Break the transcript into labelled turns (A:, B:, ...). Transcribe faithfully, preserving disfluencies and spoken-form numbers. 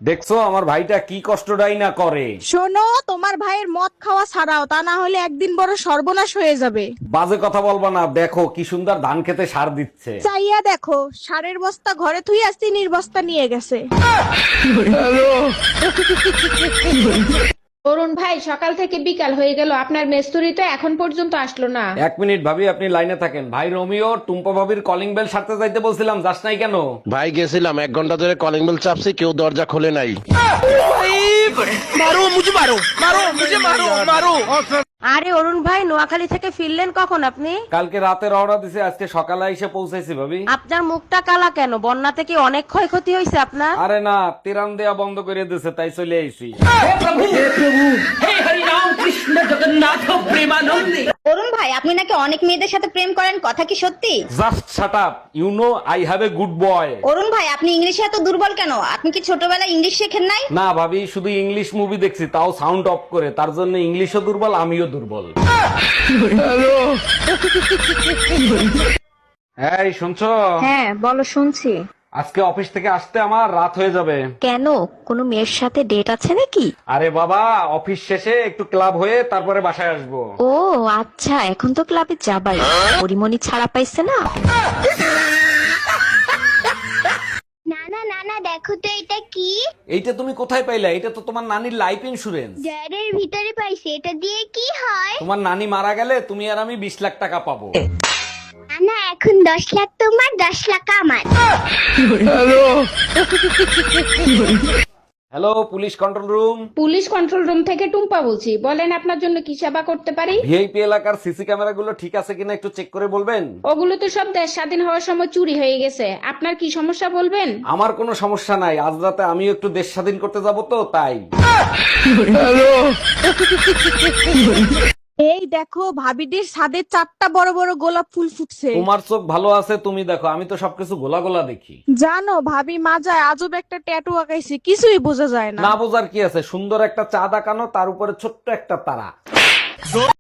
A: দেখছো আমার ভাইটা কি কষ্টটাই না করে।
B: শোনো, তোমার ভাইয়ের মদ খাওয়া ছাড়াও, তা না হলে একদিন বড় সর্বনাশ হয়ে যাবে।
A: বাজে কথা বলবা না, দেখো কি সুন্দর ধান খেতে সার দিচ্ছে।
B: চাইয়া দেখো, সারের বস্তা ঘরে থুই আর চিনির বস্তা নিয়ে গেছে।
C: অরুণ ভাই, সকাল থেকে বিকাল হয়ে গেল, আপনার মেস্তুরি তো এখন পর্যন্ত আসলো না।
A: এক মিনিট ভাবি, আপনি লাইনে থাকেন। ভাই রোমিও, টুম্পা ভাবির কলিং বেল সারতে যাইতে বলছিলাম, যাস নাই কেন?
D: ভাই গেছিলাম, এক ঘন্টা ধরে কলিং বেল চাপছি, কেউ দরজা খোলে নাই।
E: আরে অরুণ ভাই, নোয়াখালী থেকে ফিরলেন কখন আপনি?
A: কালকে রাতে রওনা দিছে, আজকে সকালে এসে পৌঁছাইছি ভাবি।
E: আপনার মুখটা কালা কেন? বন্যাতে কি অনেক ক্ষয়ক্ষতি হয়েছে আপনার?
A: আরে না, তিরান দেয়া বন্ধ করে দিছে, তাই চলে আইছি।
F: অরুণ ভাই, আপনি নাকি অনেক মেয়েদের সাথে প্রেম করেন, কথা কি সত্যি?
A: Just shut up, you know I have a good boy.
F: Arun ভাই, আপনি ইংলিশে এত দুর্বল কেন? আপনি কি ছোটবেলায় ইংলিশ শেখেন নাই?
A: না ভাবি, শুধু ইংলিশ মুভি দেখছি, তাও সাউন্ড অফ করে, তার জন্য ইংলিশও দুর্বল, আমিও দুর্বল। এই শুনছো?
E: হ্যাঁ বলো, শুনছি।
A: আজকে অফিস থেকে আসতে আমার রাত হয়ে যাবে।
E: কেন, কোনো মেয়ের সাথে ডেট আছে নাকি?
A: আরে বাবা, অফিস শেষে একটু ক্লাব হয়ে তারপরে বাসায় আসবো।
E: ও আচ্ছা, এখন তো ক্লাবে যাবাই। পরিমণি ছাড়া পাইছে না?
G: নানা নানা দেখো তো এটা কি?
A: এইটা তুমি কোথায় পাইলা? এটা তো তোমার নানির লাইফ ইন্সুরেন্স।
G: জারের ভিতরে পাইছি, এটা দিয়ে কি হয়?
A: তোমার নানি মারা গেলে তুমি আর আমি বিশ লাখ টাকা পাবো।
G: নানা, এখন দশ লাখ তোমার, দশ লাখ আমার।
A: Hello, police control room.
C: Police control room থেকে টুম্পা বলছি, বলেন আপনার জন্য কি সেবা করতে পারি।
A: ভিআইপি এলাকার সিসি ক্যামেরা গুলো ঠিক আছে কিনা একটু চেক করে বলবেন?
C: ওগুলো তো সব দেশ স্বাধীন হওয়ার সময় চুরি হয়ে গেছে, আপনার কি সমস্যা বলবেন।
A: আমার কোনো সমস্যা নাই, আজ রাতে আমিও একটু দেশ স্বাধীন করতে যাব তো তাই।
B: এই দেখো, ভাবিটির ছাদে চারটা বড় বড় গোলাপ ফুল ফুটছে।
A: তোমার চোখ ভালো আছে, তুমি দেখো, আমি তো সবকিছু গোলা গোলা দেখি।
B: জানো, ভাবি মাজায় আজব একটা ট্যাটু আঁকাইছে, কিছুই বোঝা যায় না।
A: না বোঝার কি আছে, সুন্দর একটা চাঁদ আঁকানো, তার উপরে ছোট্ট একটা তারা।